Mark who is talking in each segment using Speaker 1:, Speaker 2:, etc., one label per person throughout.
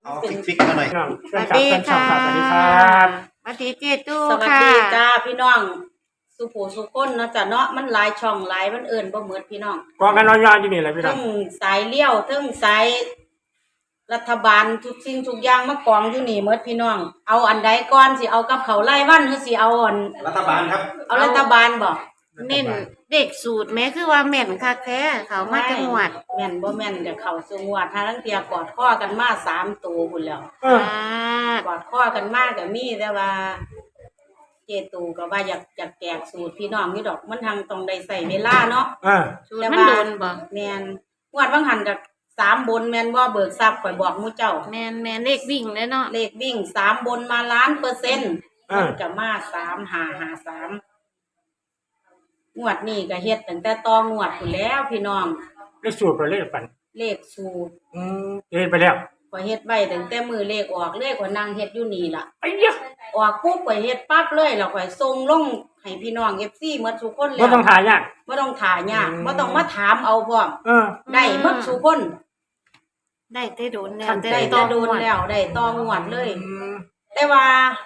Speaker 1: เอาฟิกมาหน่อย
Speaker 2: สวัสดีค่ะสวัสดีครับสวัสดีเจตู้
Speaker 3: สวัส
Speaker 2: ค่ะ
Speaker 3: ดีจ้าพี่น้องสุโขสุคนเนาะจ้ะเนาะมันหลายช่องหลายมันเอิ้นบ่เหมือนพี่น้อง
Speaker 2: กองกันน้อยๆอยู่นี่แหละพี่น้อ
Speaker 3: ทั้
Speaker 2: ง
Speaker 3: งสายเลี้ยวทั้งสายรัฐบาลทุกสิ่งทุกอย่างมากองอยู่นี่หมดพี่น้องเอาอันใดก่อนสิเอากับเขาวไล่วันหรือสิเอาอัน
Speaker 1: รัฐบาลครับ
Speaker 3: เอารัฐบาลบ่
Speaker 2: เน้นเด็กสูตรแม้คือว่าแม่นคักแท้เขามาจังหวัด
Speaker 3: แม่นบ่แม่นเดี๋ยวเข้าสู่งวดหาลังเที่ยกอดข้อกันมา3ตัวพุ่นแล้ว
Speaker 2: อ่าก
Speaker 3: อดข้อกันมาก็มีแต่ว่า เจตูก็ว่าอยากแจกสูตรพี่น้องอยู่ดอกมันทางต้องได้ใส่เวลาเนาะ
Speaker 2: สูตรมันโดนบ่
Speaker 3: แม่นงวดบางหันกับ3บนแม่นบ่เบิกทรัพย์ข่อยบอกหมู่เจ้า
Speaker 2: แม่นเลขวิ่งเลยเนาะ
Speaker 3: เลขวิ่ง3บนมาล้านเปอร์เซ็นต์
Speaker 2: อ่ามั
Speaker 3: มันก็มา3553งวดนี้ก็เฮ็ดตั้งแต่ต่องวดพุ่นแล้วพี่น้อง
Speaker 2: เลขสูตรไปเลขปัน
Speaker 3: เลขสูตร
Speaker 2: เฮ็ดไปแล้ว
Speaker 3: ข่อยเฮ็ดไว้ตั้งแต่มื้อเลขออกเลยข่อยนั่งเฮ็ดอยู่นี่ล่ะ
Speaker 2: ไอ้ยะ
Speaker 3: ออกปุ๊บข่อยเฮ็ดปั๊บเลยแล้วข่อยส่งลงให้พี่น้อง FC หมดทุกคนแล้
Speaker 2: บ่
Speaker 3: ว
Speaker 2: ต้องถ่ายยาก
Speaker 3: บ่ต้องถ่ายากบ่ต้องมาถามเอาพร้อม
Speaker 2: เออ
Speaker 3: ได้หมดทุกคน
Speaker 2: ได้แต่โดนแล้ว
Speaker 3: ได้แต่โดนแล้วได้ต่องวดเลย แต่ว่า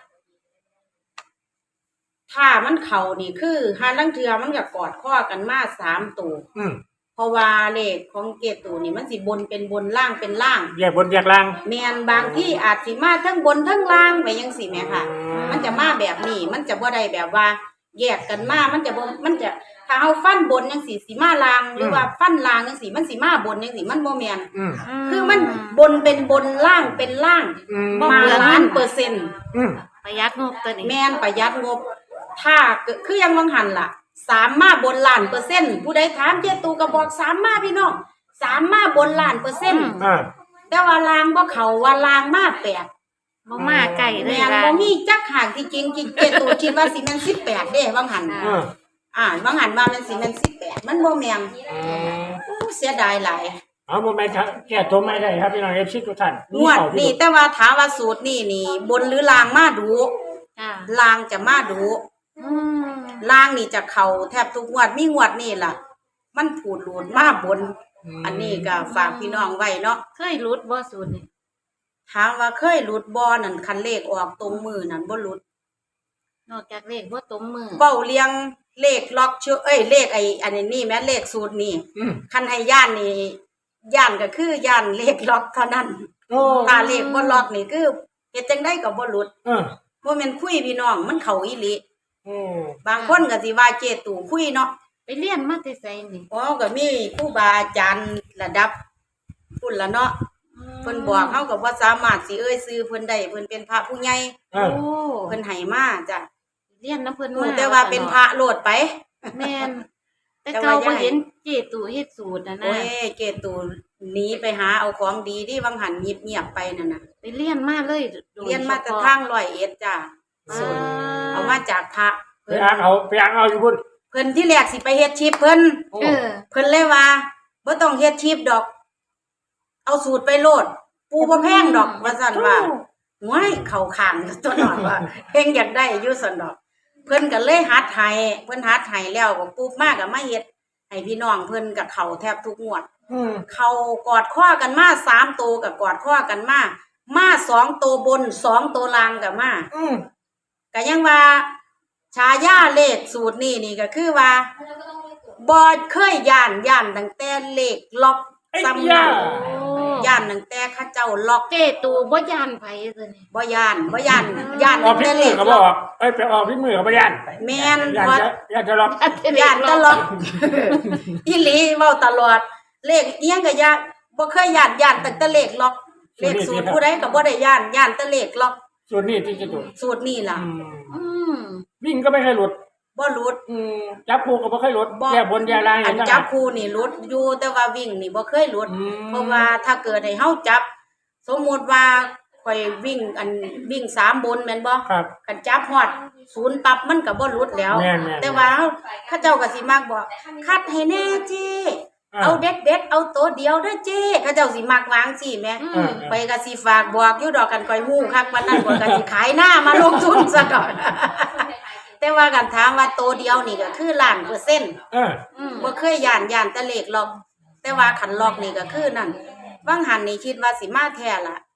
Speaker 3: ถ้ามันเข่านี่คือหาลังเทือมันก็กอดข้อกันมา3ตัวเพราะว่าเลขของเกตูนี่มันสิบนเป็นบนล่างเป็นล่าง
Speaker 2: แยกบนแยกล่าง
Speaker 3: แม่นบางที่อาจสิมาทั้งบนทั้งล่างไปจังซี่แม่ค่ะ มันจะมาแบบนี้มันจะบ่ได้แบบว่า แยกกันมามันจะบ่มันจะถ้าเฮาฟันบนจังซี่สิมาล่างหรือว่าฟันล่างจังซี่มันสิมาบนจังซี่มันบ่แม่นคือมันบนเป็นบนล่างเป็นล่างมาล้านเปอร์เซ็นต์
Speaker 2: ประหยัดงบตัวนี้
Speaker 3: แม่นประหยัดงบ ถ้าคือยังวังหันล่ะ3มาบนล้านเปอร์เซ็นต์ผู้ใดถามเจตูก็บอก3มาพี่น้อง3มาบนล้านเปอร์เซ็นต์แต่ว่าลางบ่เข้าว่าลางมา8
Speaker 2: บ่มาไก่เลย
Speaker 3: แม่นบ่มีจักห่างที่จริงเจตูคิดว่าสิแม่น18เด้วังหันวังหันว่ามันสิแม่น18มันบ่แม่นเสียดายหลาย
Speaker 2: เอาบ่แม่นครับแก้ตัวไม่ได้ครับพี่น้อง FC ทุกท่าน
Speaker 3: งวดนี่แต่ว่าถามว่าสูตรนี่บนหรือลางมาดูลางจะมาดูล่างนี่จะเข่าแทบทุกงวดมีงวดนี่ล่ะ มันผูดหลุดมาบน อันนี้ก็ฝากพี่น้องไว้เนาะ
Speaker 2: เคยรุดบ่สูตรนี่
Speaker 3: ถามว่าเคยหลุดบ่นั่นคันเลขออกตรงมือนั่นบ่หลุด
Speaker 2: นอกจากเลขบ่ตรงมือ
Speaker 3: เว้าเรียงเลขล็อกเชื่อเลขอันนี้แม่เลขสูตรนี่คันให้ย่านนี่ย่านก็คือย่านเลขล็อกเท่านั้นถ้าเลขบ่ล็อกนี่คือเฮ็ดจังได๋ก็บ่หลุดบ่แม่นคุยพี่น้องมันเข้าอีหลีบางคนก็สิว่าเจตู่คุยเนาะ
Speaker 2: ไปเรียนมาแต่ไสนี่
Speaker 3: อ๋อก็มีครูบาอาจารย์ระดับพุ่นละเนาะเพิ่นบอกเฮาก็บ่สามารถสิเอ่ยชื่อเพิ่นได้เพิ่นเป็นพระผู้ใหญ่
Speaker 2: โอ้
Speaker 3: เพิ่นให้มาจ้ะ
Speaker 2: เรียนนำเพิ่น
Speaker 3: รู้
Speaker 2: มา
Speaker 3: แต่ว่าเป็นพระโลดไป
Speaker 2: แม่นแต่เก่าบ่เห็นเจตู่เฮ็ดสูตรน่ะ
Speaker 3: โอ้
Speaker 2: นะ
Speaker 3: ยเกตูหนีไปหาเอาของดีที่วังหันเงียบๆไปนั่นน่ะ
Speaker 2: ไปเรียนมาเลยโด
Speaker 3: เรียนมาแต่ทาง101จ้ะส่วนเอามาจากพระ
Speaker 2: ไปอ่านเอาอยู่พุ่น
Speaker 3: เพิ่นที่แรกสิไปเฮ็ดชีพเพิ่น
Speaker 2: เออ
Speaker 3: เพิ่นเลยว่าบ่ต้องเฮ็ดชีพดอก เอาสูตรไปโลด ปูบ่แพงดอกว่าซั่นว่าห้วยเข้าข้างตัวหน่อยว่าเพิ่นอยากได้อยู่ซั่นดอก เพิ่นก็เลยหัดให้เพิ่นหัดให้แล้วก็ปุ๊บมาก็มาเฮ็ดให้พี่น้องเพิ่นก็เข้าแทบทุกงวดเข้ากอดข้อกันมา3ตัวก็กอดข้อกันมา2ตัวบน2ตัวล่างก็มาก็ยังว่าฉายาเลขสูตรนี่ก็คือว่าบ่เคยย่านตั้งแต่เลขล็อกซ้ำนั้นย่านตั้งแต่เขาเจ้าล็อก
Speaker 2: เจตู่บ่ย่านไผตัวนี้
Speaker 3: บ่ย่าน
Speaker 2: อ
Speaker 3: ตั้
Speaker 2: อก
Speaker 3: ง
Speaker 2: พิ
Speaker 3: แต่
Speaker 2: มื
Speaker 3: เล
Speaker 2: อ
Speaker 3: ข
Speaker 2: ก็บ
Speaker 3: ล็
Speaker 2: อ
Speaker 3: อก
Speaker 2: ไปออกพิมือก็บ่ย่าน
Speaker 3: แม่น
Speaker 2: ย่าน
Speaker 3: ว่า
Speaker 2: ย่านจะล็อก
Speaker 3: ย่านตลอดอีหลีเว้าตลอดเลขเอียงก็ย่านบ่เคยย่านตั้งแต่เลขล็อกเลขสูตรผู้ใดก็บ่ได้ย่านแต่เลขล็อก
Speaker 2: ส่วนนี้ที่จะตัว
Speaker 3: สูตรนี่ล่ะ
Speaker 2: วิ่งก็ไม่เคยหลุด
Speaker 3: บ่หลุด
Speaker 2: จับคู่ก็บ่เคยหลุดแย่บนแย่ล่าง
Speaker 3: อันจับคู่นี่หลุดอยู่แต่ว่าวิ่งนี่บ่เคยหลุดเพราะว่าถ้าเกิดให้เฮาจับ สมมุติว่าข่อยวิ่ง3บนแม่นบ่
Speaker 2: ครับ
Speaker 3: คันจับฮอด0ปั๊บมันก็บ่หลุดแล้ว
Speaker 2: แม่นๆ
Speaker 3: แต่ว่าเขาเจ้าก็สิมักบอกคัดให้แน่เจ้เอาเด็ดเอาตัวเดียวเด้อเจ้เขาเจ้าสิมักวางสิแม่ไปก็สิฝากบอกอยู่ดอกกันข่อยฮู้คักปานนั้นข่อยก็สิขายหน้ามาลงทุนซะดอก แต่ว่ากันถามว่าตัวเดียวนี่ก็คือล้านเปอร์เซ็นต์บ่เคยย่านแต่เลขล็อกแต่ว่าคันล็อกนี่ก็คือนั่นบางหันนี่คิดว่าสิมาแท้ล่ะ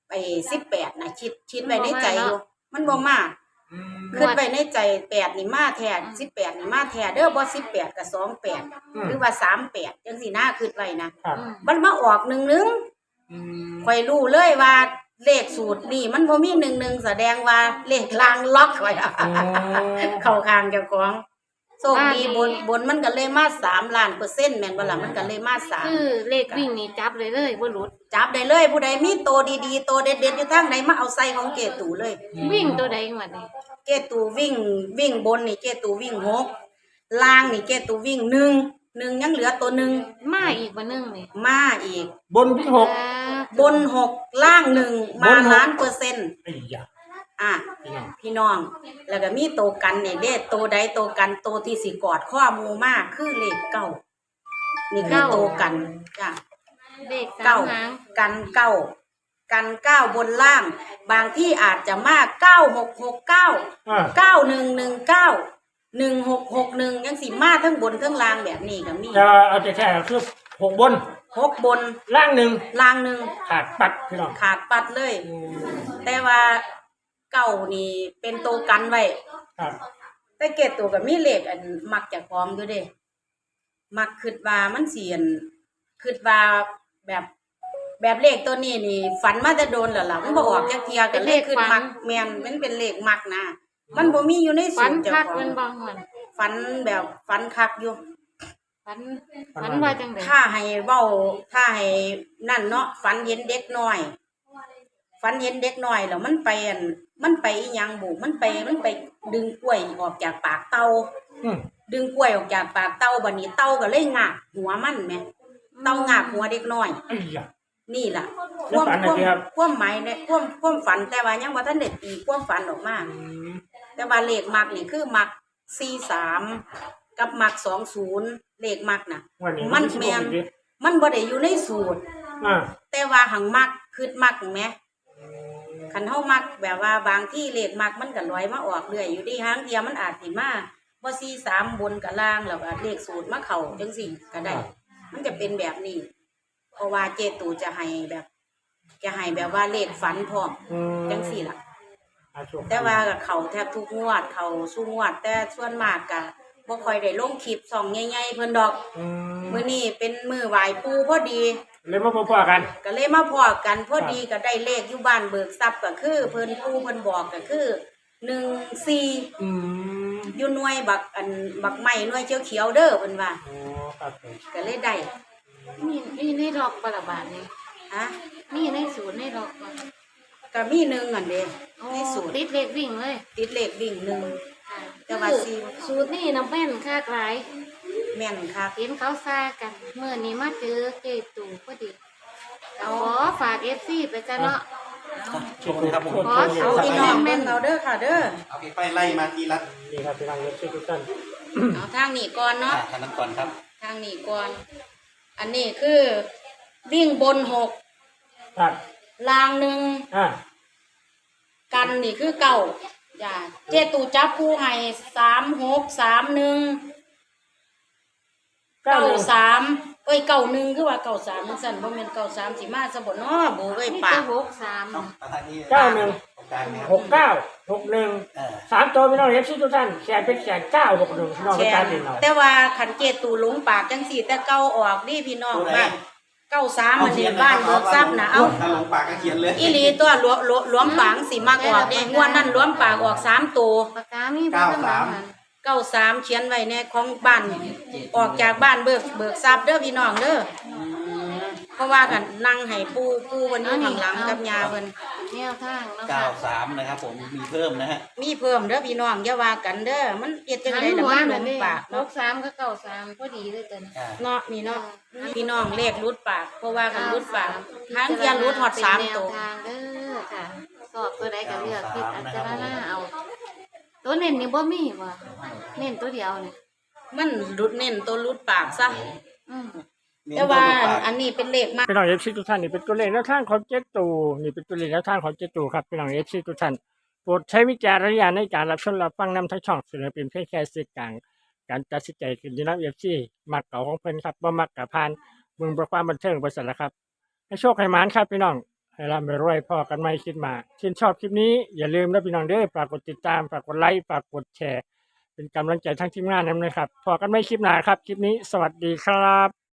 Speaker 3: ไอ้18นะคิดไว้ในใจอยู่มันบ่มา
Speaker 1: อืม
Speaker 3: คิดไว้ในใจ8นี่มาแท้18นี่มาแท้เด้อบ่18ก็28หรือว่า38จังซี่นะคิดไว้นะครับ มันมาออก11
Speaker 1: อืม
Speaker 3: ข่อยรู้เลยว่าเลขสูตรนี่มันบ่มี11แสดงว่าเลขลางล็อกไว้อะ
Speaker 1: โอ้
Speaker 3: เข้าข้างเจ้าของโชคดีบนมันก็เลยมา3ล้านเปอร์เซ็นต์แม่นบ่ล่ะมันก็เลยมา3
Speaker 2: คือเลขวิ่งนี่จับเลยบ่หลุด
Speaker 3: จับได้เลยผู้ใดมีโตดีๆโตเด็ดๆอยู่ทางใดมาเอาใส่ของเกตูเลย
Speaker 2: วิ่งตัวใดงวดนี้
Speaker 3: เกตูวิ่งบนนี่เกตูวิ่ง6ล่างนี่เกตูวิ่ง1ยังเหลือตัวหนึ่ง
Speaker 2: มาอีกบ่นึงนี่
Speaker 3: มาอีก
Speaker 1: บนที่หก
Speaker 3: บน6ล่าง1มา
Speaker 1: บนหก
Speaker 3: ล้านเปอร์เซ็นต์
Speaker 1: ไอ้ยา
Speaker 3: อ่ะ
Speaker 1: พี่น้อง
Speaker 3: พี่น้อง แล้วก็มีโตกันนี่เด้โตใดโตกันโตที่สิกอดข้อหมู่มากคือเลข9นี่คือโตกันจ้ะ
Speaker 2: เลขสา
Speaker 3: เก้าม
Speaker 2: หาง
Speaker 3: กันเก้ากันเก้าบนล่าง บางที่อาจจะมาก9669
Speaker 1: อ่า
Speaker 3: 9119 1661ยังสิมาทั้งบนทั้งล่างแบบนี้ก็มี
Speaker 1: จะเอาแต่แค่คือหกบน
Speaker 3: 6บน
Speaker 1: ล่างหนึ่ง
Speaker 3: ล่างหนึ่ง
Speaker 1: ขาดปัดพี่น้อง
Speaker 3: ขาดปัดเลย
Speaker 1: อืม
Speaker 3: แต่ว่าเก้านี่เป็นตัวกันไว้
Speaker 1: ครับ
Speaker 3: แต่เกตตัวก็มีเลขอันมักจากพร้อมอยู่เด้มักคิดว่ามันเสียนคิดว่าแบบเลขตัวนี้นี่ ฝันมาแต่โดนแล้วล่ะมันบ่ออกจักเที่ยก็เลขขึ้นมักแม่นมันเป็นเลขมักนะมันบ่มีอยู่ในสู
Speaker 2: ฝัน
Speaker 3: ตรเจ้า
Speaker 2: คัก
Speaker 3: ขอ
Speaker 2: เพิ่
Speaker 3: ง
Speaker 2: นบ่ฮวน
Speaker 3: ฝันแบบฝันคักอยู่
Speaker 2: ฝันว่าจังได๋
Speaker 3: ถ้าให้เว้าถ้าให้นั่นเนาะฝันเห็นเด็กน้อยฝันเห็นเด็กน้อยแล้วมันไปอันมันไปอีหยังบุมันไปดึงกล้วยออกจากปากเต่า
Speaker 1: อืม
Speaker 3: ดึงกล้วยออกจากปากเต่าบัดนี้เต่าก็เลยงากหัวมันแหมเต่างากหัวเด็กน้อย
Speaker 1: ไอ้ยา
Speaker 3: นี่ล่ะ
Speaker 1: แล้วฝันอะไรครับ
Speaker 3: ความหมายเนี่ยความฝันแต่ว่ายังบ่ทันได้ตีความฝันออกมา
Speaker 1: อืม
Speaker 3: แต่ว่าเลขมักนี่คือมัก43กับมัก20เลขมักน่ะ
Speaker 1: วันนี้
Speaker 3: มัน
Speaker 1: สิบ
Speaker 3: แม่น
Speaker 1: หกอีกดิ
Speaker 3: มันบ่ได้อยู่ในสูตร
Speaker 1: อ่า
Speaker 3: แต่ว่าหังมักคือมักแหมคันเฮามักแบบว่าบางที่เลขมักมันก็ลอยมาออกเรื่อยอยู่ดีหางเดียวมันอาจสิมาบ่43บนกับล่างแล้วก็เลขสูตรมาเข้าจังซี่ก็ได้ มันจะเป็นแบบนี้ เพราะว่าเจตูจะให้แบบว่าเลขฝันพร้อม
Speaker 1: อืม
Speaker 3: จังซี่ล่ะ
Speaker 1: อ่าโชคดี
Speaker 3: แต่ว่าก็เขาแทบทุกงวดเขาสู้งวด แต่ส่วนมากก็บ่ค่อยได้ลงคลิปส่องใหญ่ๆเพิ่นดอก
Speaker 1: อืม
Speaker 3: มื้อนี้เป็นมื้อไหว้ปู่พอดี
Speaker 1: เลยมาพบกัน
Speaker 3: ก็เลยมาพอกันพอดีก็ได้เลขอยู่บ้านเบิกทรัพย์ก็คือเพิ่นปู่เพิ่นบอกก็คือ14
Speaker 1: อืม
Speaker 3: อยู่หน่วยบักไม้หน่วยเขียวๆเด้อเพิ่นว่า
Speaker 1: โอ้ครับผม
Speaker 3: ก็เลยได้
Speaker 2: มีในล็อกบ่ล่ะบาดนี้
Speaker 3: ฮะ
Speaker 2: มีในสูตรในล็อกบ่
Speaker 3: ก็มีหนึ่งอันเด้
Speaker 2: โอ้
Speaker 3: ในสูตร
Speaker 2: ติดเลขวิ่งเลย
Speaker 3: ติดเลขวิ่งหนึ่ง
Speaker 2: ค่ะ
Speaker 3: แต่ว่า
Speaker 2: คือ
Speaker 3: สี่
Speaker 2: สูตรนี่น้ำแม่นคักหลาย
Speaker 3: แม่นค่ะ
Speaker 2: เห็นเขาซ่ากันเมื่อนี้มาเจอเจตู่พอดีขอฝาก FC ไปจ้ะเนาะ
Speaker 1: โชคดีครับผม
Speaker 2: ขอ
Speaker 3: เอาพี่น้องเบิ่งเอาเด้อค่ะเด้อ
Speaker 4: เอาไปไล่มาทีละ
Speaker 1: ดีครับพี่น้องเอฟซีทุกท่าน
Speaker 3: เอาทางนี้ก่อนเนาะ
Speaker 4: ทางนั้นก่อนครับ
Speaker 3: ทางนี้ก่อน อันนี้คือวิ่งบน6
Speaker 1: ครับ
Speaker 3: ล่างหนึ่ง
Speaker 1: อ่า
Speaker 3: กันนี่คือเก่าอย่าเจตูจับคู่ให้3631 93เอ้ย91คือว่า93มันสั่นบ่แม่น93สิมาซะบ่เนาะโบเอ้ย
Speaker 2: มี
Speaker 3: ปา
Speaker 2: แต่
Speaker 3: ก
Speaker 2: 63
Speaker 4: ต้องมาทางนี้
Speaker 1: 91
Speaker 4: ตรงกลางเนี่ย
Speaker 1: 69 61 3ตัวพี่น้องเอฟซีทุกท่านแชร์เป็นแชร์961พี่น้อง
Speaker 3: แช
Speaker 1: เป็นการ
Speaker 3: ร์
Speaker 1: เด่นหน่อย
Speaker 3: แต่ว่าขันเจตูหลงปากจังสี่แต่เก่าออกนี่พี่น้องบ้าน93มันนี่บ้านเบิกทรัพย์นะเอา
Speaker 4: ถ้าหลงปากก็เขียนเลย
Speaker 3: อีหลีตัวหลวมปากสิมากออกเด้งวดนั้นหลวมปากออก3ตัว
Speaker 2: ปากกามีบ่ข้างหลังนั่น
Speaker 3: 93เขียนไว้ในของบ้านออกจากบ้านเบิกทรัพย์เด้อพี่น้องเด้อเพราะว่ากันนั่งให้ปู่วันนี้ข้างหลังกับยาเพิ่น
Speaker 2: แนวทางเนาะค่ะ
Speaker 4: 93นะครับผมมีเพิ่มนะฮะ
Speaker 3: มีเพิ่มเด้อพี่น้องอย่าว่ากันเด้อมันเฮ็ดจัง
Speaker 2: หัน
Speaker 3: ได๋ล่ะ
Speaker 2: หัว
Speaker 3: มันหล
Speaker 2: นั่น
Speaker 3: ง
Speaker 2: นี่
Speaker 3: ปากเนาะ
Speaker 2: 63ก็93พอดีเลยตัวนี้
Speaker 3: เนาะนี่เนาะพี่น้องเลขรุดปากเพราะว่ากันรุดปากทางเทียนรุดฮอด3ตัว
Speaker 2: เป็นแนวทางเด้อค่ะ สอบตัวใดก็เลือกพิจารณาเอา ตัวเน้นนี่บ่มีว่ะเน้นตัวเดียวนี่
Speaker 3: มันรุดเน้นตัวรุดปากซะ
Speaker 2: อืม
Speaker 3: แต่ว่าอันนี้เป็นเลขมาก
Speaker 1: พี่น้องเอฟซีทุกท่านนี่เป็นตัวเลขแนวทางของเจ็ดตูนี่เป็นตัวเลขแนวทางของเจ็ดตูครับพี่น้องเอฟซีทุกท่านโปรดใช้วิจารณญาณในการรับชมรับฟังนำทั้งช่องเสนอเป็นเพียงแค่สื่อกลางการตัดสินใจขึ้นที่นับเอฟซีมักเก่าของเพิ่นครับบ่มักกับพานเมืองประความบันเทิงบริษัทละครับให้โชคให้หมานครับพี่น้องให้ร่ำให้รวยพอกันไม่คิดมาชื่นชอบคลิปนี้อย่าลืมนะพี่น้องเด้อฝากกดติดตามฝากกดไลค์ฝากกดแชร์เป็นกำลังใจทั้งทีมงานนะครับพอกันไม่คลิปหน้าครับคลิปนี้สวัสดีครับ